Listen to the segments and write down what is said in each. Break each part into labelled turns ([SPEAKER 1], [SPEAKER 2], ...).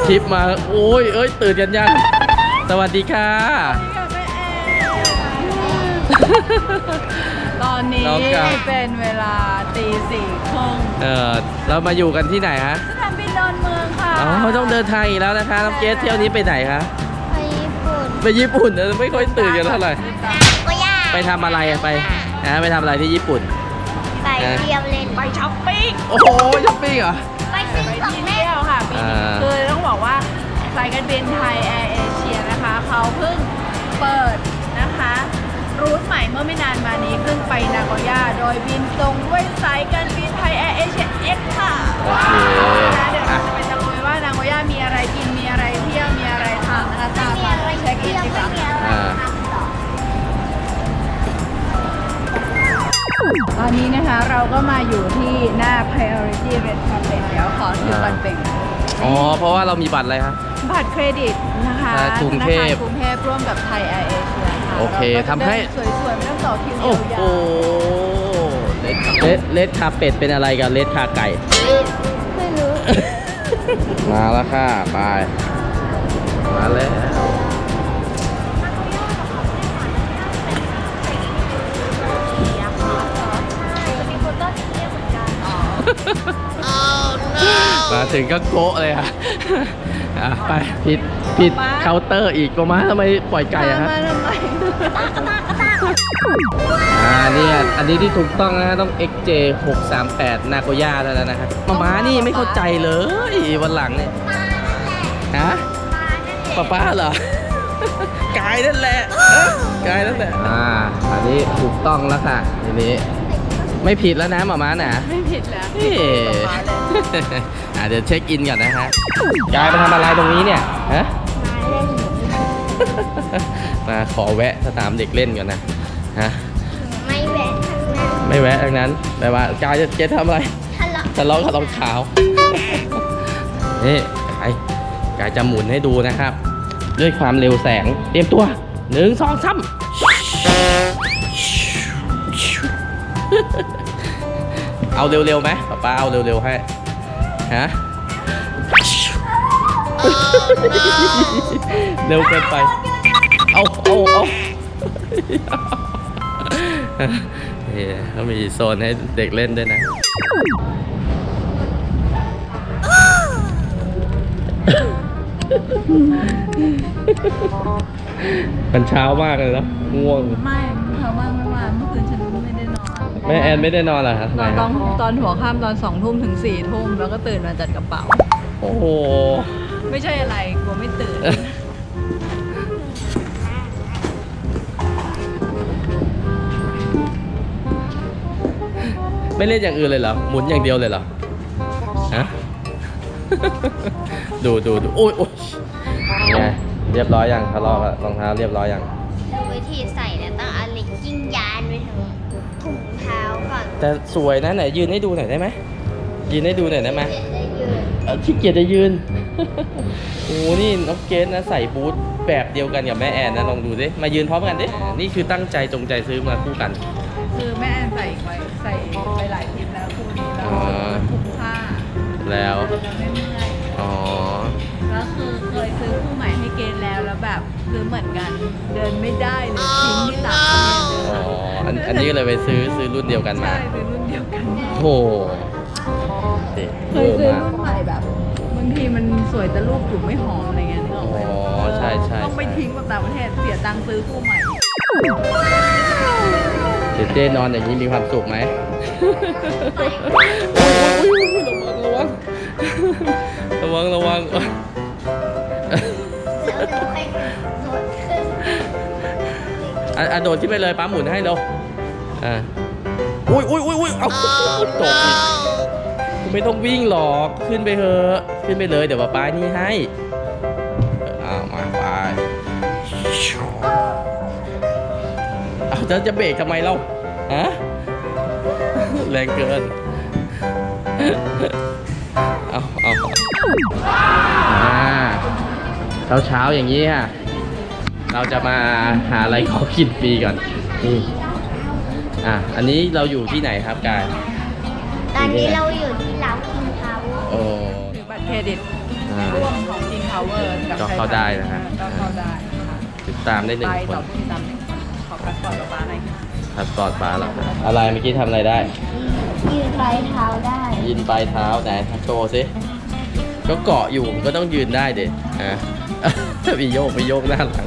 [SPEAKER 1] ทริปมาโอ้ยเอ้ยตื่นกันยังสวัสดีค่ะ
[SPEAKER 2] ตอนนี้เป็นเวลาตีสี่ครึ่ง
[SPEAKER 1] เรามาอยู่กันที่ไหนฮะ
[SPEAKER 2] สนามบินดอนเมืองค่ะ
[SPEAKER 1] อ๋อต้องเดินทางอีกแล้วนะคะน้องเกสเที่ยวนี้ไปไหนคะ
[SPEAKER 3] ไปญี่ปุ่น
[SPEAKER 1] ไปญี่ปุ่นไม่ค่อยตื่นกันเท่าไหร่ไปทำอะไรไปไปทำอะไรที่ญี่ปุ่น
[SPEAKER 3] ไปเที่ยวเล่น
[SPEAKER 2] ไปช้อปปิ้ง
[SPEAKER 1] โอ้โหช้อปปิ้งเหรอ
[SPEAKER 3] ไปซื้อของเล่น
[SPEAKER 2] ค่ะปีนี้คือต้องบอกว่าสายการบินไทยแอร์เอเชียนะคะเขาเพิ่งเปิดนะคะรูทใหม่เมื่อไม่นานมานี้ขึ้นไปนาโกย่าโดยบินตรงด้วยสายการบินไทยแอร์เอเชีย X ค่ะ
[SPEAKER 1] โอเค
[SPEAKER 2] เดี๋ยวเราจะไปตะลุยว่านาโกย่ามีอะไรกินมีอะไรเที่ยวมีอะไรทำนะคะตามมาเช็คอินดีกว่าตอนนี้นะคะเราก็มาอยู่ที่หน้า Priority Red Carpet เดี๋ยวขอถือบัตรเป็น
[SPEAKER 1] อ๋อเพราะว่าเรามีบัตรอะไรครับ
[SPEAKER 2] บัตรเครดิตนะคะ
[SPEAKER 1] กรุงเทพ
[SPEAKER 2] ร่วมกับไทยแอร์เอเชียค่ะ
[SPEAKER 1] โอเคทำให้
[SPEAKER 2] สวยๆไม่ต้องต่อคิวยาว
[SPEAKER 1] โอ้โหเลดคาเป็ดเป็นอะไรกันเลดคาไก่
[SPEAKER 3] ไม่รู้
[SPEAKER 1] มาแล้วค่ะไปมาแล้วมาถึงก็โกะเลยค่ะไปผิดเคาน์เตอร์อีกก็มาทำไมปล่อยไก่อะฮะเนี่ยอันนี้ที่ถูกต้องนะต้อง XJ 638นาโกย่าแล้วนะครับม้านี่ไม่เข้าใจเลยวันหลังเนี่ยฮะป้าเหรอกายนั่นแหละกายนั่นแหละอันนี้ถูกต้องแล้วค่ะทีนี้ไม่ผิดแล้วนะหม่าน่ะ
[SPEAKER 2] ไม่ผิดแล้ว
[SPEAKER 1] เดี๋ยวเช็คอินก่อนนะฮะกายมาทำอะไรตรงนี้เนี่ยฮะมาขอแวะสนามเด็กเล่นก่อนนะฮะไม่แวะทั้งนั้นแปลว่ากายจะทำอะไรทะเลาะกับรองเท้านี่กายจะหมุนให้ดูนะครับด้วยความเร็วแสงเตรียมตัว1 2 3เอาเร็วๆไหมป้าเอาเร็วๆให้ฮะเร็วเกินไปเอาเขามีโซนให้เด็กเล่นด้วยนะมันเช้ามากเลยนะง่วง
[SPEAKER 2] ไม่เช้ามากไม่ว่าเมื่อคืนฉันไม่ได้นอน
[SPEAKER 1] แม่แอนไม่ได้นอนเหรอครับ
[SPEAKER 2] ตอนหัวค่ำตอน2 ทุ่มถึง4 ทุ่มแล้วก็ตื่นมาจัดกระเป๋า
[SPEAKER 1] โอ้โห
[SPEAKER 2] ไม่ใช่อะไรกลัวไม่ตื่น
[SPEAKER 1] ไม่เล่นอย่างอื่นเลยเหรอหมุนอย่างเดียวเลยเหรอฮะดูโอ้ยไงเรียบร้อยยังทะเลาะกับรองเท้าเรียบร้อยยัง
[SPEAKER 3] วิธีใส่เนี่ยต้องเอาเหล็กกิ้งยานไปถึงถุงเท้าก่อน
[SPEAKER 1] แต่สวยนะไหนยืนให้ดูหน่อยได้ไหมยืนให้ดูหน่อยได้ไหมขี้เกียจจะยืนโอ้นี่น้องเกสนะใส่บูทแบบเดียวกันกับแม่แอนนะลองดูดิมายืนพร้อมกันดินี่คือตั้งใจจงใจซื้อมาคู่กัน
[SPEAKER 2] คือแม่แอนใส่ไปหลายทริปแล้วคู่นี้แล้วคุ้มค่า
[SPEAKER 1] แล้ว
[SPEAKER 2] ไม่เมื่อยแล้วคือเคยซื้อคู่ใหม่ให้เกณฑ์แล้วแบบซื้อเหมือนกันเดินไม่ได้เลยทิ้งที่หลัง
[SPEAKER 1] อันนี้ก็เลยไปซื้อรุ่นเดียวกันมา
[SPEAKER 2] ใช่ซื้อรุ่นเดียวกัน
[SPEAKER 1] โอ้
[SPEAKER 2] เคยซื้อรุ่นใหม่แบบบางทีมันสวยแต่รูปถูกไม่หอมอะไรเงี้ยนึกออกไหม
[SPEAKER 1] ใช่
[SPEAKER 2] ต้องไปทิ้งแบบต่างประเทศเสียตังค์ซื้อคู่ใหม่
[SPEAKER 1] เจ๊นอนอย่างนี้มีความสุขไหมระวังโดดขึ้นไปเลยป้าหมุนให้เร็วอุ้ยเอาตกอีกไม่ต้องวิ่งหรอกขึ้นไปเถอะขึ้นไปเลยเดี๋ยวป้านี่ให้มาไปเอาจะเบรกทำไมเราฮะแรงเกินเอาเช้าอย่างนี้ค่ะเราจะมาหาอะไรขอกินฟรีก่อนนี่อันนี้เราอยู่ที่ไหนครับกาย
[SPEAKER 3] ตอนนี้เราอยู่ที่ร้านคิงพาวเวอร์
[SPEAKER 2] หรือบัตรเครดิตร่วมของ King พาวเวอร์กับ
[SPEAKER 1] ก็เข้าได้นะฮะ
[SPEAKER 2] ก็เข้าได้นะคะ
[SPEAKER 1] ติดตามได้หนึ่ง
[SPEAKER 2] ไป
[SPEAKER 1] ค
[SPEAKER 2] ต่อน ผู้ติดตามหนึ่งคนขอพาสปอร์ตป้าหน่อยค่ะ
[SPEAKER 1] พาสปอร์ตป้าเหรออะไรเมื่อกี้ทำอะไรได้
[SPEAKER 3] ยืนปลายเท้าได้
[SPEAKER 1] ยืนปลายเท้าไหนโชว์สิก็เกาะอยู่ก็ต้องยืนได้เด็ฮะ มีโยกหน้าหลัง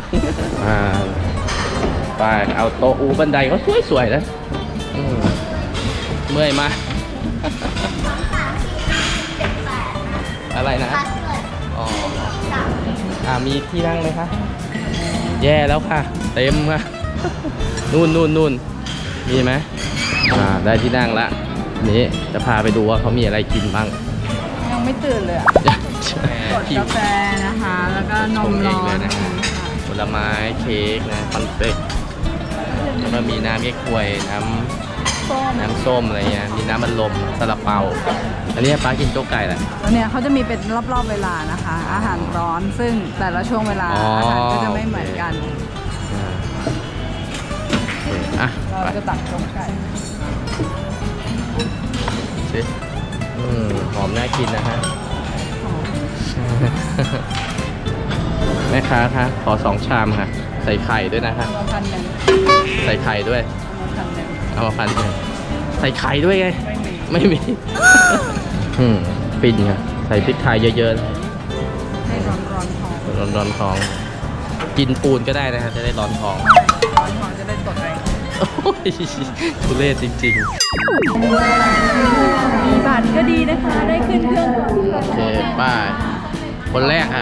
[SPEAKER 1] ไปเอาโต๊ะอูบันไดเขาสวยๆนะเมื่อยมา อะไรนะ
[SPEAKER 3] พาสเวิร์ด
[SPEAKER 1] อ๋อ
[SPEAKER 3] สาม
[SPEAKER 1] มีที่นั่งไหมคะ แย่แล้วค่ะ เต็มค่ะ นู่นมีไหมได้ที่นั่งละนี่จะพาไปดูว่าเขามีอะไรกินบ้าง
[SPEAKER 2] ยังไม่ตื่นเลยอะกดกาแฟนะคะ แล้วก็นมร้อน
[SPEAKER 1] นะผลไม้เค้กนะคอนเฟกแล้วก็มีน้ำเก๊กฮวยน้ำส้มอะไรเงี้ยมีน้ำมันลมซาลาเปาอันนี้ป้ากินโจ๊กไก่แหละ
[SPEAKER 2] แล้วเนี่ยเขาจะมีเป็นรอบๆเวลานะคะ อาหารร้อนซึ่งแต่ละช่วงเวลาอาหารก็จะไม่เหมือนกัน
[SPEAKER 1] อ่ะ
[SPEAKER 2] เราจะตักโจ๊กไก่
[SPEAKER 1] สิหอมน่ากินนะฮะ แม่ค้าคะขอ2 ชามค่ะ ใส่ไข่ด้วยนะคะ
[SPEAKER 2] เอามา1,000
[SPEAKER 1] ใส่ไข่ด้วย
[SPEAKER 2] เอามา1,000
[SPEAKER 1] เอามา1,000ใส่ไข่ด้วยไง
[SPEAKER 2] ไม่มี
[SPEAKER 1] ไม่มี ฟินค่ะใส่พริกไทยเยอะๆ
[SPEAKER 2] ให้ร้อนๆท้อง
[SPEAKER 1] ร้อนท้อง กินปูนก็ได้นะครับจะได้ร้อนท้อง
[SPEAKER 2] ร้อนท้องจะได้ตดแรง
[SPEAKER 1] โอ้ยทุเรศจริง
[SPEAKER 2] มีบัตรก็ดีนะคะ ได้ขึ้นเครื่อง
[SPEAKER 1] ๆ โอเคป้าคนแรกอ่ะ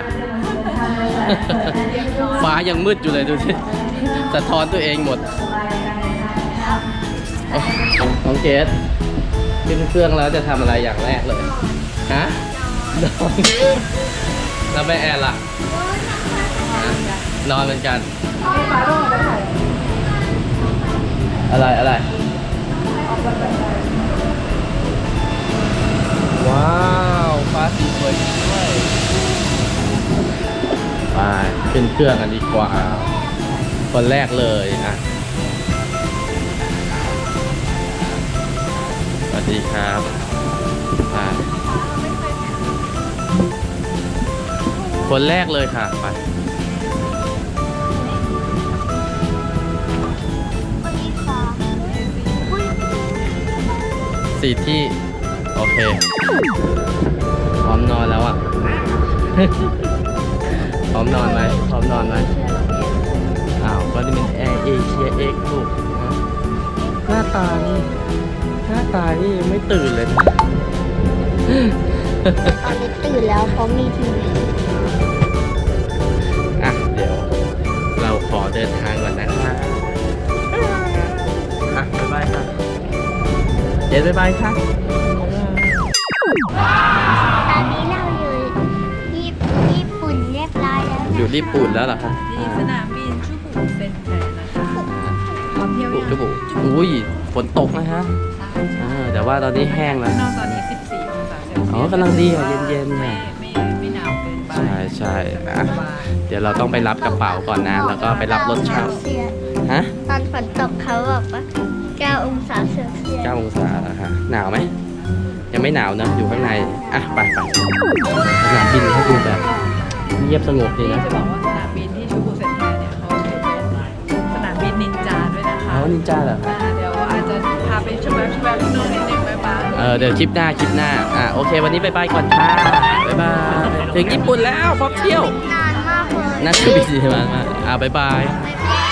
[SPEAKER 1] ฟ้ายังมืดอยู่เลยดูสิสะท้อนตัวเองหมดน้องเกดขึ้นเครื่องแล้วจะทำอะไรอย่างแรกเลย ฮะนอนแล้วแม่แอนล่ะฮะนอนเหมือนกัน อะไร ว้าวฟ้าสีสวยด้วยไปขึ้นเครื่องกันดีกว่า คนแรกเลยอ่ะสวัสดีครับไปคนแรกเลยค่ะไป
[SPEAKER 3] คนที่สอง
[SPEAKER 1] 4 ที่ โอเค พร้อมนอนแล้วอ่ะ พร้อมนอนไหมอ้าวก็นี่เป็นแอร์เอเชียเอ็กลูกนะหน้าตานี่ยังไม่ตื่นเลยนะ
[SPEAKER 3] ตอนนี้ตื่นแล้วเพราะมีทีวี
[SPEAKER 1] อ่ะ เดี๋ยวเราขอเดินทางก่อนนะคะอ่ะบ๊ายบายค่ะเย็นบ๊ายบายค่ะ
[SPEAKER 3] ตอนนี้เราอยู่ญี่ปุ่นเรียบร้อยแล้วนะ
[SPEAKER 1] อยู่ญี่ปุ่นแล้วเหรอคะ
[SPEAKER 2] ที่สนามบินชูบุเซ็นแทนนะคะพร้อมเที่ยวยัง
[SPEAKER 1] จุบุอุ้ยฝนตกนะฮะแต่ว่าตอนนี้แห้งแล้ว
[SPEAKER 2] ข้างนอกตอนนี้ 14 องศาเซลเซียส
[SPEAKER 1] อ๋อกำลังดีอ่ะเย็นๆ
[SPEAKER 2] ไม่
[SPEAKER 1] เนี่ย
[SPEAKER 2] ไม่หนาวเกินไป
[SPEAKER 1] ใช่อ่ะเดี๋ยวเราต้องไปรับกระเป๋าก่อนนะ แล้วก็ไปรับรถเช่าฮะ
[SPEAKER 3] ตอนฝนตกเขาบอกว่า9 องศาเซลเซียส
[SPEAKER 1] 9 องศาแล้วค่ะหนาวไหมยังไม่หนาวนะอยู่ข้างในอ่ะไปสนามบินเขาดูแบบเงียบสงบดี
[SPEAKER 2] นี่
[SPEAKER 1] นะ
[SPEAKER 2] จะบอกว่าสนามบินที่ชูบุเซ็นแทนเนี่ยเขาถือเป็นสนามบินนินจาด้วยนะคะ
[SPEAKER 1] เขานินจาเหรอ
[SPEAKER 2] เดี๋ยวอาจจะพาไปชมแวบที่โน่นนิดนึงบ๊ายบาย
[SPEAKER 1] เดี๋ยวคลิปหน้าโอเค วันนี้บายก่อนค่ะบ๊ายบายถึงญี่ปุ่นแล้วพร้อมเที่ยว
[SPEAKER 3] นานมากเลย
[SPEAKER 1] น่าจะบินดีมากบาย
[SPEAKER 3] บ๊ายบาย